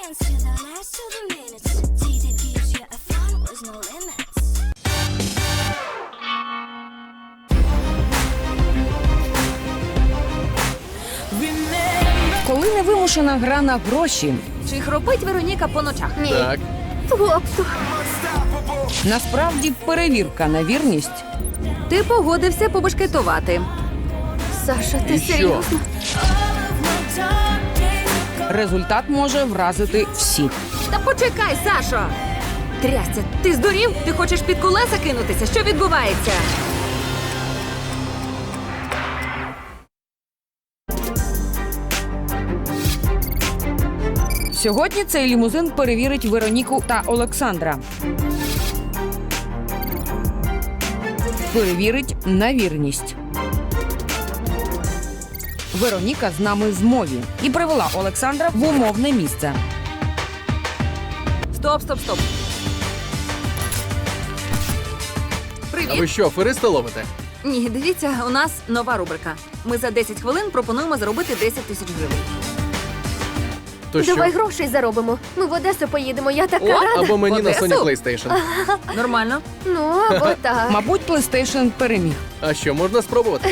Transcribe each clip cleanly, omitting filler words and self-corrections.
seconds to the last to the minutes. Day that gives you a fun with no limits. Коли невимушена гра на гроші, Чи хропить Вероніка по ночах? Ні. Так. Тобто, насправді перевірка на вірність Ти погодився побашкетувати. Саша, ти І що? серйозно? результат може вразити всіх. Та почекай, Сашо! Трясся, ти здурів? Ти хочеш під колеса кинутися? Що відбувається? Сьогодні цей лімузин перевірить Вероніку та Олександра. Перевірить на вірність. Вероніка з нами в змові і привела Олександра в умовне місце. Стоп. А Привіт. ви що, афериста ловите? Ні, дивіться, у нас нова рубрика. Ми за 10 хвилин пропонуємо заробити 10 тисяч гривень. То що? Давай грошей заробимо. Ми в Одесу поїдемо, я така О, рада. Або мені на Одесу? Sony PlayStation. Нормально. Ну, або так. Мабуть, PlayStation переміг. А що, можна спробувати?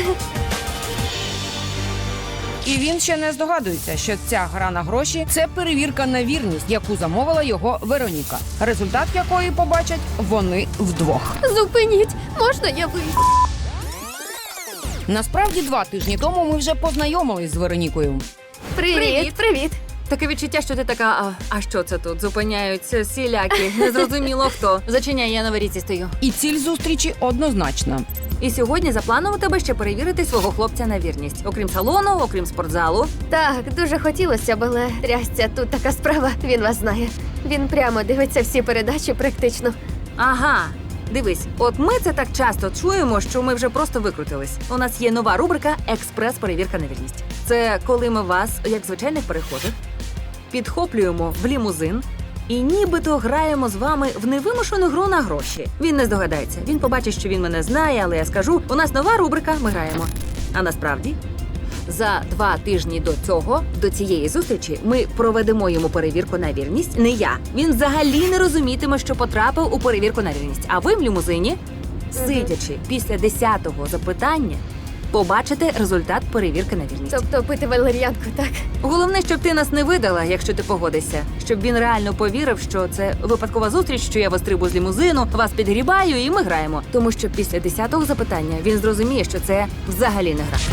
І він ще не здогадується, що ця гра на гроші – це перевірка на вірність, яку замовила його Вероніка. Результат якої побачать вони вдвох. Зупиніть, можна я вийду? Насправді 2 тижні тому ми вже познайомились з Веронікою. Привіт. Таке відчуття, що ти така, а що це тут? Зупиняються сіляки. Незрозуміло хто. Зачиняй, я на варіці стою. І ціль зустрічі однозначна. І сьогодні за планом у тебе ще перевірити свого хлопця на вірність. Окрім салону, окрім спортзалу. Так, дуже хотілося б, але трясця, тут така справа, він вас знає. Він прямо дивиться всі передачі практично. Ага. Дивись, от ми це так часто чуємо, що ми вже просто викрутились. У нас є нова рубрика «Експрес-перевірка на вірність». Це коли ми вас, як звичайних перехожих, підхоплюємо в лімузин і нібито граємо з вами в невимушену гру на гроші. Він не здогадається. Він побачить, що він мене знає, але я скажу, у нас нова рубрика, ми граємо. А насправді, за 2 тижні до цієї зустрічі, ми проведемо йому перевірку на вірність. Не я. Він взагалі не розумітиме, що потрапив у перевірку на вірність. А ви в лімузині, сидячи після 10-го запитання, побачите результат перевірки на вірність. Тобто пити валер'янку, так? Головне, щоб ти нас не видала, якщо ти погодишся. Щоб він реально повірив, що це випадкова зустріч, що я вас трибу з лімузину, вас підгрібаю і ми граємо. Тому що після 10-го запитання він зрозуміє, що це взагалі не гра.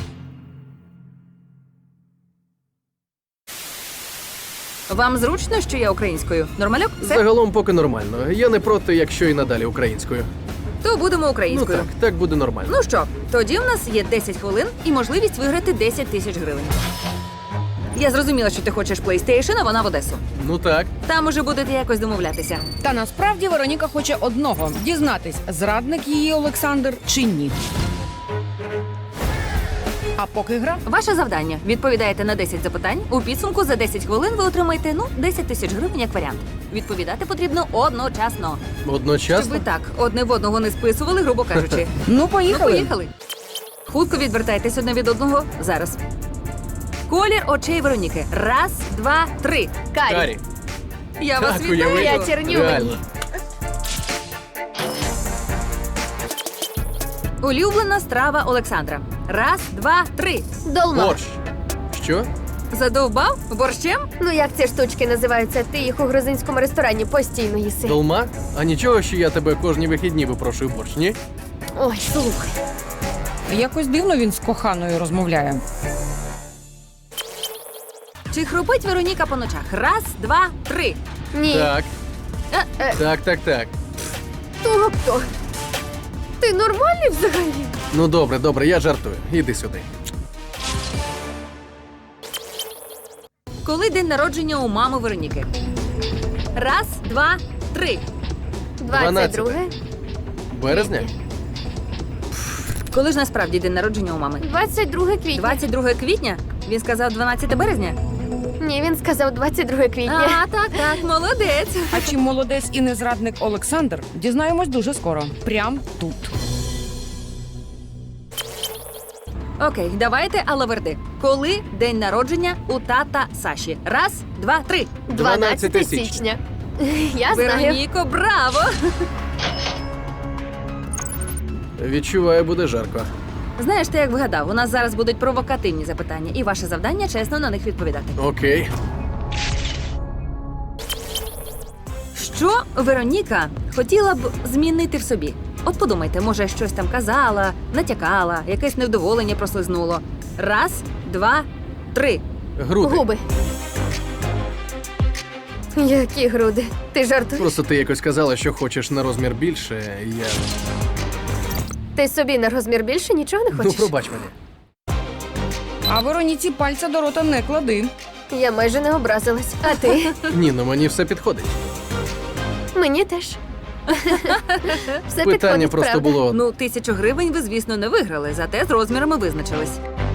Вам зручно, що я українською? Нормальок? Все? Загалом поки нормально. Я не проти, якщо і надалі українською. То будемо Ну українською. так буде нормально. Ну що, тоді в нас є 10 хвилин і можливість виграти 10 тисяч гривень. Я зрозуміла, що ти хочеш PlayStation, а вона в Одесу. Ну так. Там уже будете якось домовлятися. Та насправді Вероніка хоче одного – дізнатись, зрадник її Олександр чи ні. А поки гра Ваше завдання – відповідаєте на 10 запитань. У підсумку за 10 хвилин ви отримаєте, 10 тисяч гривень як варіант. Відповідати потрібно одночасно. Щоб Одночасно? ви так одне в одного не списували, грубо кажучи. ну поїхали. Поїхали. Хутко відвертайтесь одне від одного. Зараз. Колір очей Вероніки. 1, 2, 3. Карі. Я вас Так, вітаю. уяви. Я черню. Реально. Улюблена страва Олександра. 1, 2, 3. Долма. Борщ. Що? Задовбав? Борщем? Ну як ці штучки називаються? Ти їх у грузинському ресторані постійно їси. Долма? А нічого, що я тебе кожні вихідні випрошую борщ, ні? Ой, слухай. Якось дивно він з коханою розмовляє. Чи хропить Вероніка по ночах? 1, 2, 3. Ні. Так. Е. Так. Тобто. Ти нормальний взагалі? Ну добре, я жартую. Іди сюди. Коли день народження у мами Вероніки? 1, 2, 3. 22. Березня? Коли ж насправді день народження у мами? 22 квітня. 22 квітня? Він сказав 12 березня? Ні, він сказав 22 квітня. А, так, молодець. А чи молодець і не зрадник Олександр, дізнаємось дуже скоро. Прям тут. Окей, давайте алаверди. Коли день народження у тата Саші? Раз, два, три. 12 січня. Я знаю. Вероніко, браво! Відчуваю, буде жарко. Знаєш, ти як вгадав, у нас зараз будуть провокативні запитання, і ваше завдання чесно на них відповідати. Окей. Що Вероніка хотіла б змінити в собі? От подумайте, може, щось там казала, натякала, якесь невдоволення прослизнуло. Раз, два, три. Груди. Губи. Які груди? Ти жартуєш? Просто ти якось казала, що хочеш на розмір більше. Я. Ти собі на розмір більше нічого не Ну, хочеш? пробач мене. А Вероніці пальця до рота не клади. Я майже не образилась. А ти? Ні, ну мені все підходить. Мені теж. Все Питання підходить, просто правда? було. Ну, 1000 гривень ви, звісно, не виграли, зате з розмірами визначились.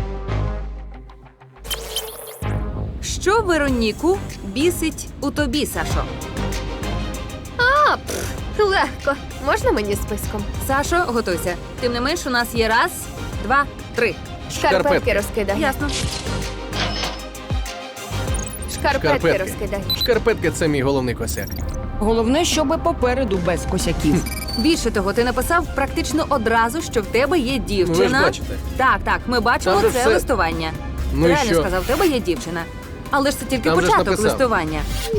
Що Вероніку бісить у тобі, Сашо? А, легко. Можна мені списком? Сашо, готуйся. Тим не менш, у нас є раз, два, три. Шкарпетки Шкарпетки. розкидай. Ясно. Шкарпетки Шкарпетки. розкидай. Шкарпетки це мій головний косяк. Головне, щоби попереду без косяків. Більше того, ти написав практично одразу, що в тебе є дівчина. Ну, ви ж бачите. Так, ми бачимо Там же це все- листування. Ну і Реально що? сказав, в тебе є дівчина. Але ж це тільки Там же ж початок написав. листування.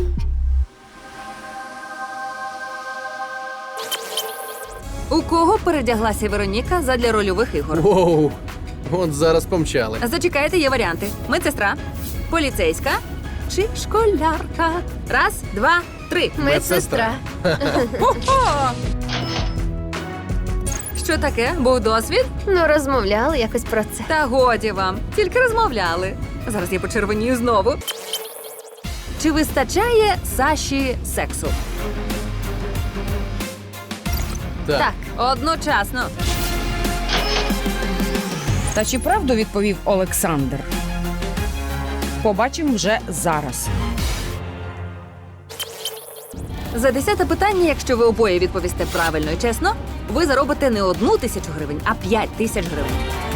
У кого передяглася Вероніка задля рольових ігор? Воу. От зараз помчали. Зачекайте, є варіанти: медсестра, поліцейська чи школярка. Раз, два, три. Медсестра. О! Що таке? Був досвід? Ну, розмовляли якось про це. Та годі вам, тільки розмовляли. Зараз я почервонію знову. Чи вистачає Саші сексу? Так. Одночасно. Та чи правду відповів Олександр? Побачимо вже зараз. За 10-те питання, якщо ви обоє відповісте правильно і чесно, ви заробите не 1000 гривень, а 5000 гривень.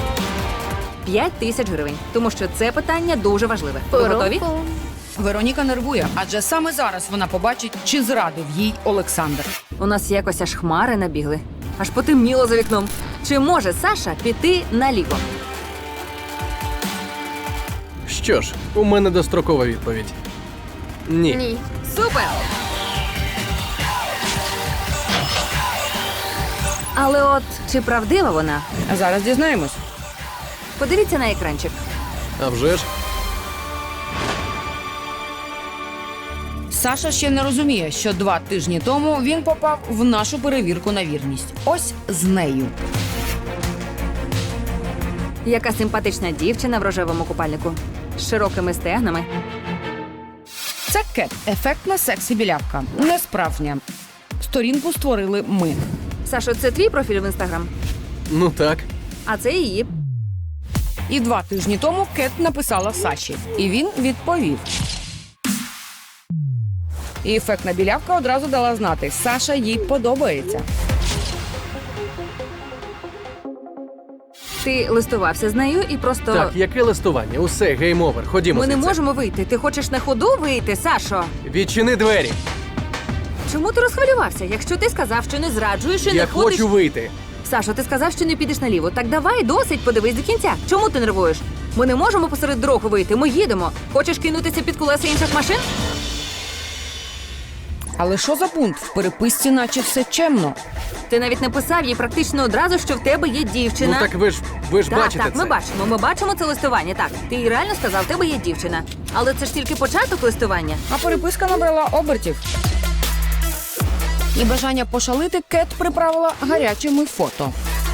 5000 гривень. Тому що це питання дуже важливе. Ви готові? Пу-ру-пу. Вероніка нервує, адже саме зараз вона побачить, чи зрадив їй Олександр. У нас якось аж хмари набігли. Аж потемніло за вікном. Чи може Саша піти наліво? Що ж, у мене дострокова відповідь. Ні. Ні. Супер! Але от чи правдива вона? А зараз дізнаємось. Подивіться на екранчик. А вже ж. Саша ще не розуміє, що 2 тижні тому він попав в нашу перевірку на вірність. Ось з нею. Яка симпатична дівчина в рожевому купальнику з широкими стегнами. Це Кет, ефектна сексі-білявка. Не справжня. Сторінку створили ми. Сашо, це твій профіль в інстаграм? Ну так. А це її. І 2 тижні тому Кет написала Саші. І він відповів. І ефектна білявка одразу дала знати, Саша їй подобається. Ти листувався з нею і просто. Так, яке листування? Усе, гейм-овер. Ходімо Ми не звідси. можемо вийти. Ти хочеш на ходу вийти, Сашо? Відчини двері. Чому ти розхвилювався? Якщо ти сказав, що не зраджуєш і Я не ходиш. хочу вийти. Сашо, ти сказав, що не підеш наліво. Так давай, досить, подивись до кінця. Чому ти нервуєш? Ми не можемо посеред дороги вийти. Ми їдемо. Хочеш кинутися під колеса інших машин? Але що за пункт? В переписці наче все чемно. Ти навіть написав їй практично одразу, що в тебе є дівчина. Ну так ви ж Так, бачите так, це. ми бачимо це листування. Так, ти їй реально сказав, в тебе є дівчина. Але це ж тільки початок листування. А переписка набрала обертів. І бажання пошалити Кет приправила гарячими фото.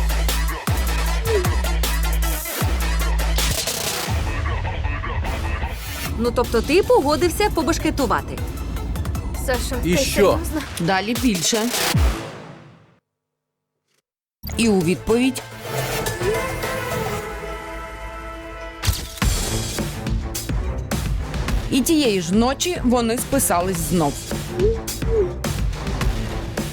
Ну тобто ти погодився побешкетувати. Сашо, І ти що? серйозно? Далі більше. І у відповідь. І тієї ж ночі вони списались знов.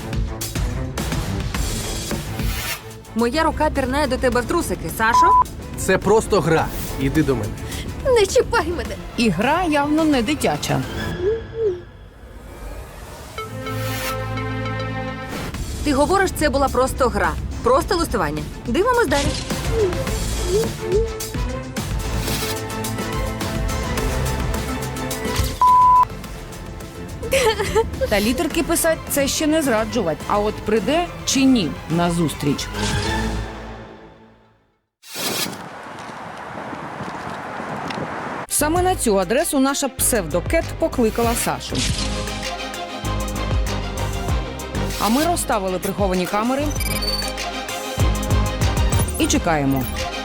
Моя рука пірнає до тебе в трусики, Сашо. Це просто гра. Іди до мене. Не чіпай мене. І гра явно не дитяча. Ти говориш, це була просто гра. Просто листування. Дивимось далі. Та літерки писать – це ще не зраджувати. А от прийде чи ні на зустріч. Саме на цю адресу наша псевдокет покликала Сашу. А ми розставили приховані камери і чекаємо.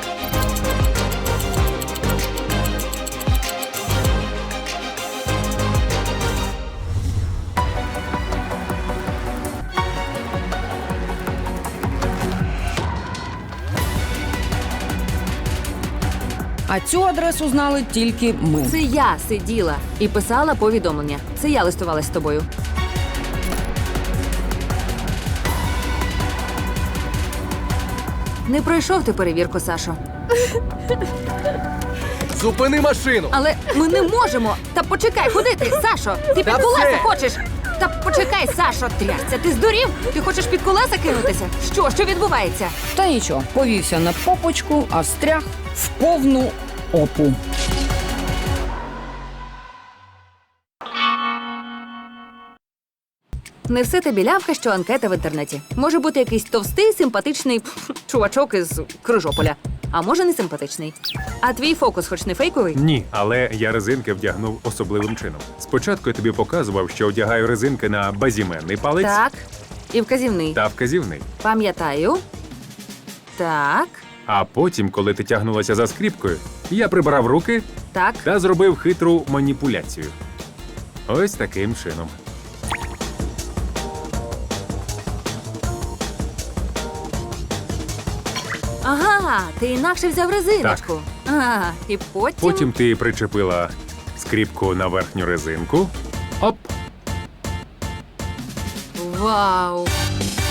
А цю адресу знали тільки ми. Це я сиділа і писала повідомлення. Це я листувалась з тобою. Не пройшов ти перевірку, Сашо. Зупини машину! Але ми не можемо. Та почекай, куди ти, Сашо? Ти під Та колеса все! хочеш? Та почекай, Сашо, трясся, ти здурів? Ти хочеш під колеса кинутися? Що відбувається? Та нічого, повівся на попочку, а встряг в повну опу. Не все те білявка, що анкета в інтернеті. Може бути якийсь товстий, симпатичний чувачок із Крижополя. А може не симпатичний. А твій фокус хоч не фейковий? Ні, але я резинки вдягнув особливим чином. Спочатку я тобі показував, що одягаю резинки на базіменний палець Так. І вказівний. та вказівний. Пам'ятаю. Так. А потім, коли ти тягнулася за скріпкою, я прибрав руки Так. та зробив хитру маніпуляцію. Ось таким чином. Ага, ти інакше взяв резиночку. Ага, і потім. Потім ти причепила скріпку на верхню резинку. Оп! Вау!